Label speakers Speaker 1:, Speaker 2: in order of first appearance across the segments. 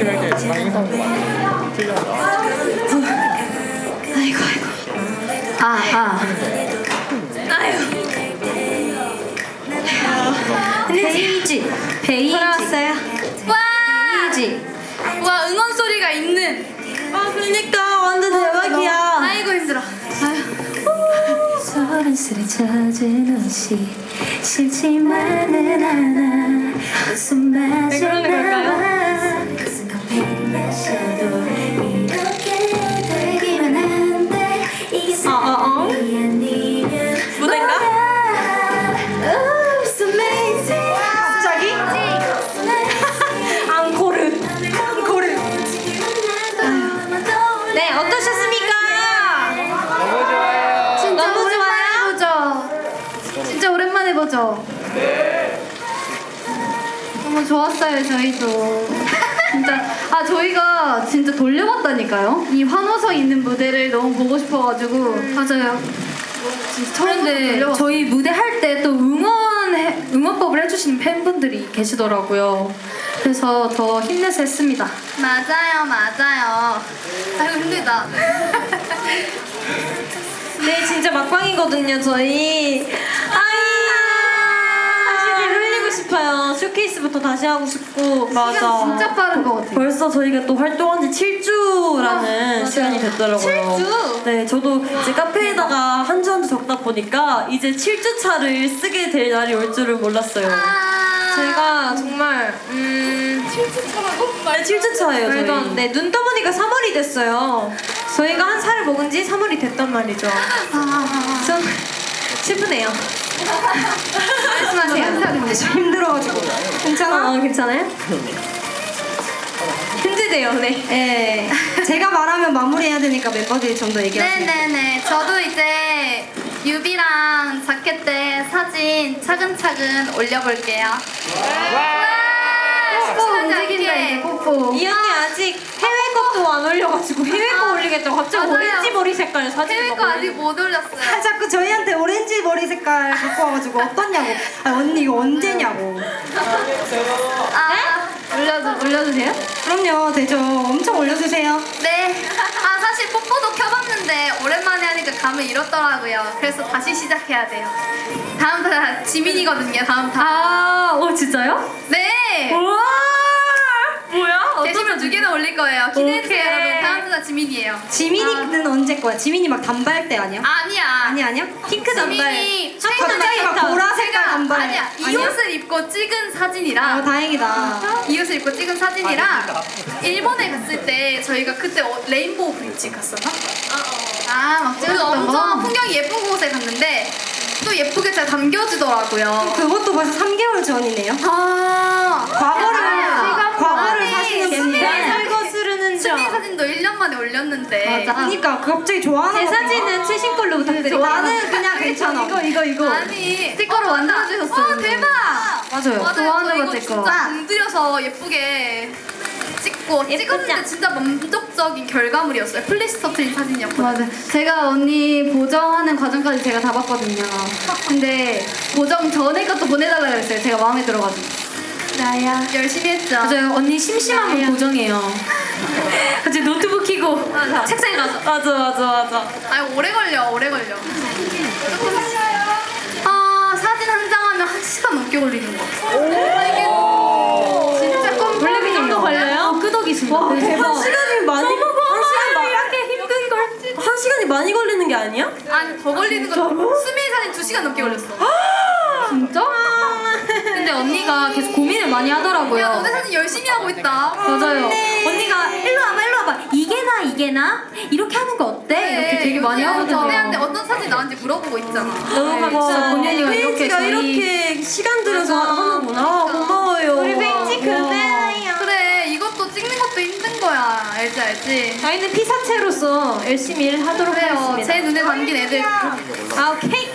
Speaker 1: 이렇게 방송도 많이 틀려서.
Speaker 2: 아이고. 베이지. 돌아왔어요.
Speaker 3: 와 응원 소리가 있는.
Speaker 2: 그러니까 완전 대박이야.
Speaker 3: 아이고 힘들어.
Speaker 2: 소란스레 젖은 옷이 싫지만은 않아. 웃음마저
Speaker 3: 그러는 걸까요?
Speaker 2: 커피 마셔도 이렇게 되기만 한데 이게 사랑이 아니면
Speaker 3: 무대인가?
Speaker 2: Oh, it's amazing.
Speaker 3: 갑자기? 앙코르.
Speaker 2: 네, 어떠셨습니까?
Speaker 1: 너무 좋아요.
Speaker 3: 진짜
Speaker 2: 너무
Speaker 3: 오랜만에 보죠. 진짜 오랜만에 보죠. 너무 좋았어요 저희도. 진짜 저희가 진짜 돌려봤다니까요. 이 환호성 있는 무대를 너무 보고 싶어가지고. 맞아요. 진짜
Speaker 4: 그런데 저희 무대 할 때 또 응원법을 해주시는 팬분들이 계시더라고요. 그래서 더 힘내서 했습니다.
Speaker 3: 맞아요. 아이고 힘들다.
Speaker 2: 네, 진짜 막방이거든요, 저희. 사실 흘리고 싶어요. 쇼케이스부터 다시 하고 싶고.
Speaker 3: 시간 진짜 빠른 것 같아요.
Speaker 2: 벌써 저희가 또 활동한 지 7주라는 시간이 됐더라고요.
Speaker 3: 7주?
Speaker 2: 네, 저도 이제 카페에다가 한 주 한 주 적다 보니까 이제 7주 차를 쓰게 될 날이 올 줄은 몰랐어요. 제가 정말 7주 차예요, 저희. 네, 눈 떠보니까 3월이 됐어요. 저희가 한 살을 먹은 지 3월이 됐단 말이죠. 좀 슬프네요.
Speaker 3: 말씀하세요.
Speaker 2: 좀 힘들어가지고. 괜찮아? 괜찮아요? 힘들대요, 네. 네. 제가 말하면 마무리해야 되니까 멤버들이 좀 더 얘기하세요.
Speaker 3: 네네네. 저도 이제 뮤비랑 자켓 때 사진 차근차근 올려볼게요.
Speaker 4: 움직인다 이제 뽀뽀.
Speaker 2: 이 언니 아직 해외 것도 안 올려가지고 해외 거 올리겠다고 갑자기
Speaker 3: 맞아요.
Speaker 2: 오렌지 머리 색깔 사진
Speaker 3: 해외 거 아직 못 올렸어요.
Speaker 5: 자꾸 저희한테 오렌지 머리 색깔 갖고 와가지고 어떠냐고. 언니 이거 언제냐고.
Speaker 3: 올려도 돼요?
Speaker 5: 그럼요, 되죠. 엄청 올려주세요.
Speaker 3: 네. 사실 뽀뽀도 켜봤는데 오랜만에 하니까 감을 잃었더라고요. 그래서 다시 시작해야 돼요. 다음 다 지민이거든요. 다음 다.
Speaker 2: 진짜요?
Speaker 3: 네.
Speaker 2: 우와! 뭐야?
Speaker 3: 제시문 2개는 올릴 거예요. 기대해주세요,
Speaker 2: 오케이.
Speaker 3: 여러분. 다음 다 지민이에요.
Speaker 5: 지민이는 언제 거야? 지민이 막 단발 때 아니야?
Speaker 3: 아니야.
Speaker 5: 아니야? 핑크 단발.
Speaker 3: 지민이
Speaker 5: 갑자기 막 보라색깔 단발.
Speaker 3: 아니야. 이 옷을 입고 찍은 사진이랑
Speaker 5: 다행이다.
Speaker 3: 이 옷을 입고 찍은 사진이랑 일본에 갔을 때 저희가 그때 레인보우 브릿지 갔었나? 막
Speaker 4: 찍었던
Speaker 3: 그래서 엄청
Speaker 4: 거?
Speaker 3: 풍경이 예쁜 곳에 갔는데 또 예쁘게 잘 담겨지더라고요.
Speaker 5: 그것도 벌써 3개월 전이네요. 과거를 사시는 분이.
Speaker 2: 설거스르는
Speaker 3: 수미 사진도 1년 만에 올렸는데.
Speaker 5: 그러니까 갑자기 좋아하는
Speaker 2: 제
Speaker 5: 거
Speaker 2: 사진은 최신 걸로 부탁드릴게요.
Speaker 5: 나는 그냥 괜찮아. 이거.
Speaker 3: 아니
Speaker 4: 스티커로 만들어주셨어요.
Speaker 3: 대박.
Speaker 4: 맞아요.
Speaker 3: 맞아요.
Speaker 4: 좋아하는
Speaker 3: 저
Speaker 4: 거
Speaker 3: 이거
Speaker 4: 제 거.
Speaker 3: 진짜 공들여서 예쁘게 찍었는데 진짜 만족적인 결과물이었어요. 플리스터 트린 사진이었거든요.
Speaker 4: 맞아. 제가 언니 보정하는 과정까지 제가 다 봤거든요. 근데 보정 전에 것도 보내달라고 했어요. 제가 마음에 들어가지고.
Speaker 3: 나야. 열심히 했죠.
Speaker 4: 맞아요. 언니 심심하면 보정해요.
Speaker 2: 갑자기 노트북 켜고
Speaker 3: 맞아.
Speaker 2: 책상에 가서 맞아.
Speaker 3: 아니 오래 걸려. 사진 한 장 하면 1시간 넘게 걸리는 거. 이게 진짜
Speaker 2: 원래 그 정도 걸려요?
Speaker 4: 끄덕이신다.
Speaker 2: 와,
Speaker 4: 네.
Speaker 2: 대박. 한 시간이 많이 걸리는 게 아니야?
Speaker 3: 아니 더 걸리는 거. 수미 사진 2시간 넘게 걸렸어.
Speaker 4: 진짜? 근데 언니가 계속 고민을 많이
Speaker 3: 야
Speaker 4: 하더라고요.
Speaker 3: 너네 사진 열심히 하고 있다.
Speaker 4: 맞아요.
Speaker 2: 언니가 일로 와봐. 이게 나? 이렇게 하는 거 어때? 이렇게 되게 많이 하거든요.
Speaker 3: 너네한테 어떤 사진 나왔는지 물어보고 있잖아.
Speaker 2: 너무 감사해요.
Speaker 4: 본연이가 이렇게
Speaker 2: 페이지가
Speaker 4: 저희-
Speaker 2: 이렇게 시간 들여서 하는구나. 고마워요.
Speaker 5: 우리 페이지 그대로요.
Speaker 3: 그래 이것도 찍는 것도 힘든 거야. 알지.
Speaker 2: 저희는 피사체로서 열심히 일하도록
Speaker 3: 그래요.
Speaker 2: 하겠습니다.
Speaker 3: 제 눈에 담긴 애들.
Speaker 2: 오케이.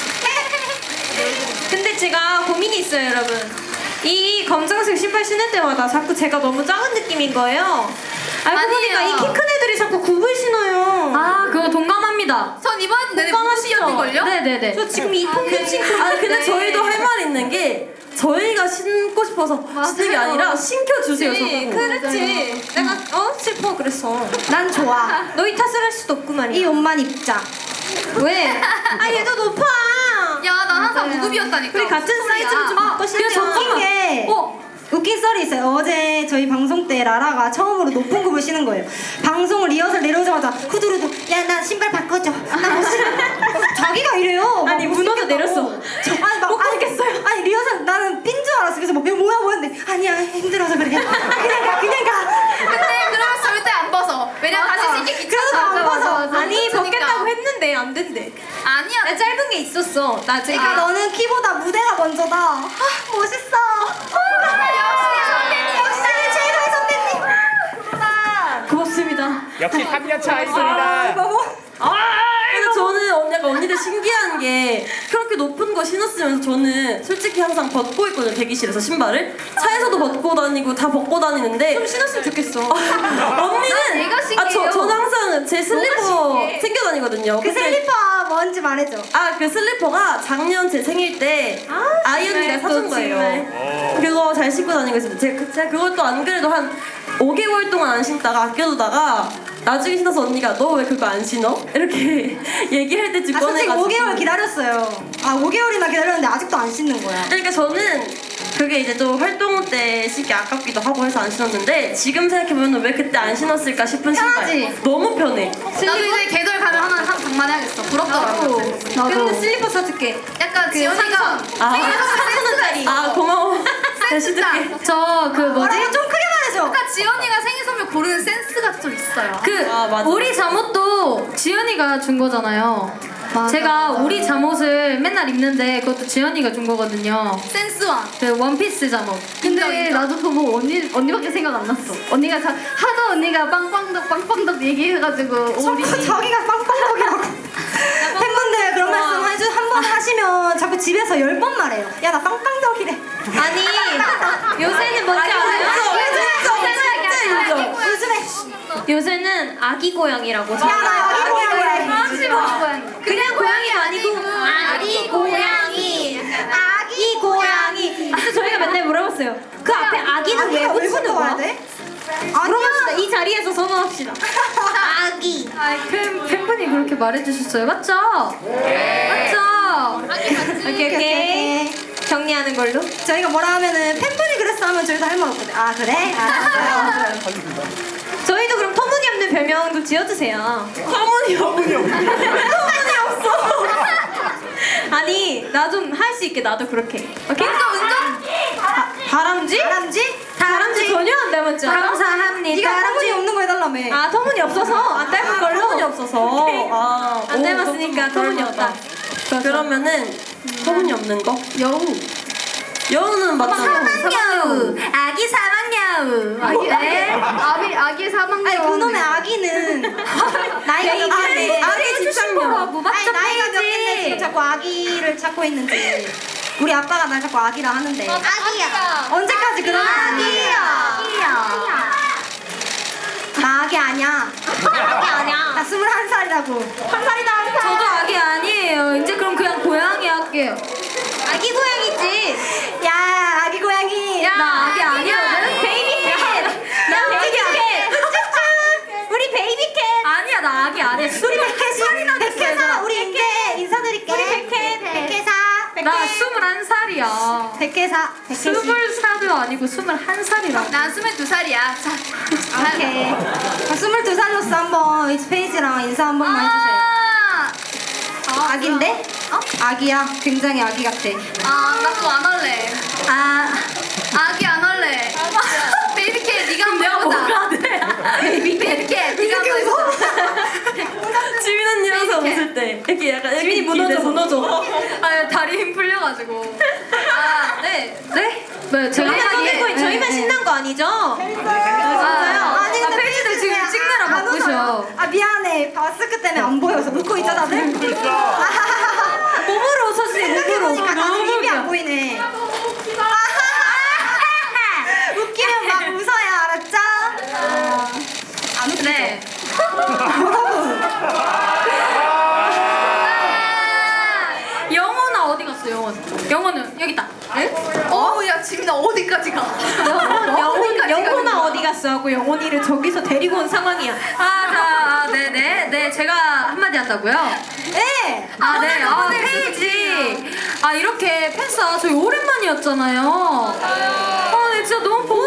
Speaker 2: 근데 제가 고민이 있어요, 여러분. 이 검정색 신발 신을 때마다 자꾸 제가 너무 작은 느낌인 거예요. 알고 보니까
Speaker 3: 아니에요.
Speaker 2: 이 키 큰 애들이 자꾸 굽을 신어요.
Speaker 4: 그거 동감합니다.
Speaker 3: 전 이번 내내
Speaker 2: 공감하시죠?
Speaker 4: 신었는걸요?
Speaker 3: 네네네.
Speaker 2: 저 지금 이 통금 신고
Speaker 6: 아 근데
Speaker 2: 있는데.
Speaker 6: 저희도 할 말 있는 게 저희가 신고 싶어서 신는 게 아니라 신겨주세요 저보고.
Speaker 2: 그렇지. 내가 슬퍼 그랬어.
Speaker 5: 난 좋아.
Speaker 2: 너희 탓을 할 수도 없구만.
Speaker 5: 이 옷만 입자.
Speaker 2: 왜? 아 얘도 높아.
Speaker 4: 야, 나 항상 무급이었다니까.
Speaker 2: 우리 같은 사이즈로 좀 바꿔 신자.
Speaker 5: 웃긴 게 웃긴 썰이 있어요. 어제 저희 방송 때 라라가 처음으로 높은 굽을 신은 거예요. 방송 리허설 내려오자마자 후두루두 야 나 신발 바꿔줘. 나 못 신어. 자기가 이래요.
Speaker 2: 아니,
Speaker 5: 못
Speaker 2: 문어도
Speaker 5: 신겠다고.
Speaker 2: 내렸어.
Speaker 5: 아니 못
Speaker 2: 걷겠어요.
Speaker 5: 아니 리허설 나는 삔 줄 알았어. 그래서 뭐 이거 뭐야 근데 아니야 힘들어서 그래. 그냥 가.
Speaker 4: 근데 그러면 절대 안 벗어. 왜냐면 다시 신기
Speaker 5: 그래도
Speaker 4: 귀찮아.
Speaker 5: 안 벗어.
Speaker 2: 아니
Speaker 4: 그러니까.
Speaker 2: 벗겠다고 했는데 안 된대.
Speaker 4: 아니야.
Speaker 2: 나 짧은 게 있었어. 나중에.
Speaker 5: 그러니까 너는 키보다 무대가 먼저다. 아, 멋있어. 역시 최고의 선배님.
Speaker 2: 고맙습니다.
Speaker 1: 역시 3년 차이입니다.
Speaker 6: 근데 저는 약간 언니들 신기한 게 그렇게 높은 거 신었으면서 저는 솔직히 항상 벗고 있거든요 대기실에서 신발을 차에서도 벗고 다니고 다 벗고 다니는데
Speaker 2: 좀 신었으면 좋겠어.
Speaker 6: 언니는
Speaker 4: 얘가 신기해요.
Speaker 6: 저는 항상 제 슬리퍼 챙겨 다니거든요.
Speaker 5: 그
Speaker 6: 근데
Speaker 5: 슬리퍼 뭔지 말해줘.
Speaker 6: 그 슬리퍼가 작년 제 생일 때 아이 언니가 사준 거예요. 그거 잘 신고 다니고 있습니다. 제가 그것도 안 그래도 한 5개월 동안 안 신다가 아껴두다가 나중에 신어서 언니가 너 왜 그거 안 신어? 이렇게 얘기할 때쯤
Speaker 5: 아 솔직히
Speaker 6: 꺼내가지고
Speaker 5: 5개월 기다렸어요. 5개월이나 기다렸는데 아직도 안 씻는 거야.
Speaker 6: 그러니까 저는 그게 이제 좀 활동 때 신기 아깝기도 하고 해서 안 신었는데 지금 생각해보면 왜 그때 안 신었을까 싶은 신발.
Speaker 5: 편하지?
Speaker 6: 너무 편해.
Speaker 4: 나도 이제 계절 가면 하나 장만해야겠어. 부럽더라고.
Speaker 2: 근데 슬리퍼 사줄게.
Speaker 4: 약간 지연이가 생일 선물
Speaker 6: 4,000원짜리. 고마워. 다시
Speaker 4: 진짜.
Speaker 6: 듣게.
Speaker 3: 저 그 뭐지?
Speaker 5: 뭐지? 좀 크게 말해줘.
Speaker 4: 약간 지연이가 생일 선물 고르는 센스가 좀 있어요.
Speaker 3: 그
Speaker 6: 맞아.
Speaker 3: 우리 잠옷도 지연이가 준 거잖아요. 제가 우리 잠옷을 맨날 입는데 그것도 지연이가 준 거거든요.
Speaker 4: 센스왕.
Speaker 3: 그 원피스 잠옷. 근데
Speaker 4: 인정.
Speaker 3: 나도 그거 보고 언니밖에 생각 안 났어. 언니가 하도 언니가 빵빵덕 얘기해가지고 우리
Speaker 5: 자기가 빵빵덕이라고. 팬분들 그런 말씀 한번 하시면 자꾸 집에서 10번 말해요. 야 나 빵빵덕이래.
Speaker 2: 아니 요새는 뭔지 알아요?
Speaker 5: 요즘에
Speaker 2: 요새는 아기 고양이라고.
Speaker 5: 야 나 여기 고양이래.
Speaker 2: 그냥 고양이가 아니고 아기 고양이. 아기 고양이. 그래서 저희가 맨날 물어봤어요. 그 앞에 아기는 왜
Speaker 5: 아기가 왜
Speaker 2: 붙이는
Speaker 5: 붙어야
Speaker 2: 거야?
Speaker 5: 돼?
Speaker 2: 물어봅시다. 이 자리에서 선언합시다. 아기.
Speaker 3: 팬분이 그렇게 말해주셨어요. 맞죠? 맞죠?
Speaker 2: 오케이. 정리하는 걸로.
Speaker 5: 저희가 뭐라 하면은 팬분이 그랬어 하면 저희도 할 말 없거든. 아 그래? 알았어요.
Speaker 2: 저희도 그럼 터무니없는 별명 좀 지어주세요.
Speaker 6: 터무니없는.
Speaker 2: 아니 나 좀 할 수 있게 나도 그렇게. 오케이? 은정? 다람쥐? 다람쥐 전혀 안 닮았지 않아? 감사합니다.
Speaker 5: 네가 터무니 없는 거 해달라며.
Speaker 2: 아 터무니 없어서 안 닮은 걸로?
Speaker 6: 터무니 없어서.
Speaker 2: 안 닮았으니까 터무니 없다.
Speaker 6: 그러면은 터무니 없는 거?
Speaker 3: 여우.
Speaker 6: 여우는 맞잖아.
Speaker 2: 사막여우. 아기 사막여우.
Speaker 3: 아기 사망.
Speaker 5: 아니 그놈의 아기는 나이가 몇 개인데
Speaker 6: 아기 집착녀라고.
Speaker 5: 아니 나이가 몇 개인데 지금 자꾸 아기를 찾고 있는지 우리 아빠가 날 자꾸 아기라 하는데
Speaker 4: 아기야.
Speaker 5: 언제까지 그러는 아기야 나 아기 아니야 나 21살이라고 한 살이다 한 살.
Speaker 3: 저도 아기 아니에요. 이제 그럼 그냥 고양이 할게요.
Speaker 2: 아기 고양이지.
Speaker 5: 야 아기 고양이
Speaker 3: 나 아기 아니거든.
Speaker 2: 베이비캣. 나 베이비캣. 우리 베이비캣.
Speaker 3: 아니야 나 아기 안 해.
Speaker 5: 우리 백혜사 우리 이제 인사드릴게 우리 백혜사
Speaker 3: 나 21살이야.
Speaker 5: 백혜사
Speaker 3: 20살도 아니고 21살이라.
Speaker 4: 난 22살이야. 자.
Speaker 5: 오케이 22살로서 한번 이 페이지랑 인사 한 번만 해주세요 아기인데? 아기야 굉장히 아기 같아
Speaker 4: 나 그거 안 할래. 아기 안 할래. 베이비캣 네가 한번 해보자. 베이비캣 네가 한번 해보자.
Speaker 6: 지민 언니랑서 웃을 때 이렇게 약간 지민이 무너져.
Speaker 4: 아 다리 힘 풀려가지고. 네.
Speaker 3: 네, 제가
Speaker 2: 저희만 신난 거 아니죠?
Speaker 3: 진짜요?
Speaker 5: 아니 근데
Speaker 3: 페이지들 지금 찍느라
Speaker 5: 안
Speaker 3: 바쁘셔.
Speaker 5: 웃어요. 아 미안해 마스크 때문에 안 보여서 웃고 있죠 다들?
Speaker 2: 몸으로 웃었지 몸으로.
Speaker 5: 생각해보니까 나는 입이 안 보이네 웃기면 막 웃어야 알았죠? 안 웃기죠?
Speaker 4: 네.
Speaker 2: 영혼아 어디 갔어 하고 영혼이를 저기서 데리고 온 상황이야.
Speaker 4: 네네. 제가 한마디 한다고요?
Speaker 2: 네.
Speaker 4: 페이지. 이렇게 팬싸 저희 오랜만이었잖아요. 네, 진짜 너무 보고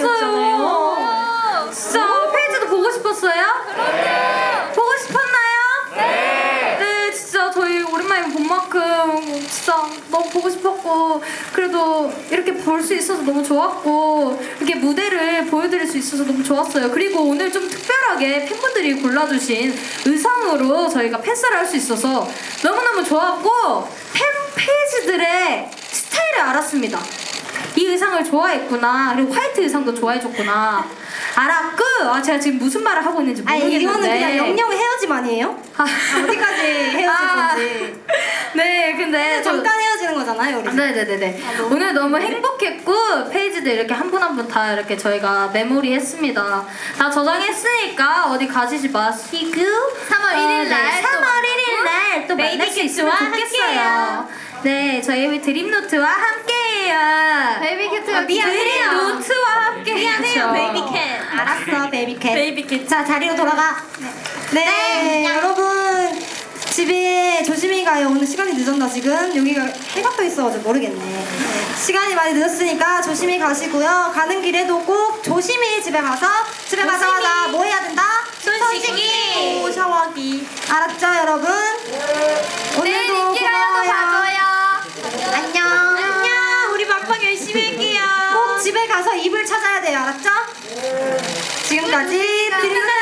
Speaker 4: 싶었어요. 진짜 페이지도 보고 싶었어요? 보고 싶었나요? 네, 진짜 저희 오랜만에 본 만큼 진짜 너무 보고 싶었고 그래도 이렇게 볼 수 있어서 너무 좋았고 이렇게 무대를 보여드릴 수 있어서 너무 좋았어요. 그리고 오늘 좀 특별하게 팬분들이 골라주신 의상으로 저희가 팬싸를 할 수 있어서 너무너무 좋았고 팬 페이지들의 스타일을 알았습니다. 이 의상을 좋아했구나. 그리고 화이트 의상도 좋아해줬구나. 알았고 제가 지금 무슨 말을 하고 있는지 모르겠는데
Speaker 5: 이거는 그냥 영영 헤어짐 아니에요? 어디까지 헤어질 건지.
Speaker 4: 네, 근데
Speaker 5: 잠깐 헤어지는 거잖아요, 우리.
Speaker 4: 네네네네. 오늘 너무 행복했고 페이지들 이렇게 한 분 한 분 다 이렇게 저희가 메모리 했습니다. 다 저장했으니까 어디 가시지 마시고 3월 1일 날 3월 1일 날 또 만날 수 있으면 좋겠어요. 네, 저희 드림노트와 함께해요.
Speaker 3: 베이비캐트가
Speaker 4: 드림노트와 함께
Speaker 2: 미안해요, 베이비캣.
Speaker 5: 알았어, 베이비캣.
Speaker 6: 베이비캣.
Speaker 5: 자, 자리로 돌아가. 네, 여러분. 집에 조심히 가요. 오늘 시간이 늦었나 지금? 여기가 해가 떠 있어가지고 모르겠네. 시간이 많이 늦었으니까 조심히 가시고요. 가는 길에도 꼭 조심히 집에 가자마자 뭐 해야 된다? 손 씻기, 샤워하기. 알았죠, 여러분? 오늘도 고마워요. 안녕.
Speaker 2: 우리 막방 열심히 할게요.
Speaker 5: 꼭 집에 가서 이불 찾아야 돼요. 알았죠? 지금까지 드림노트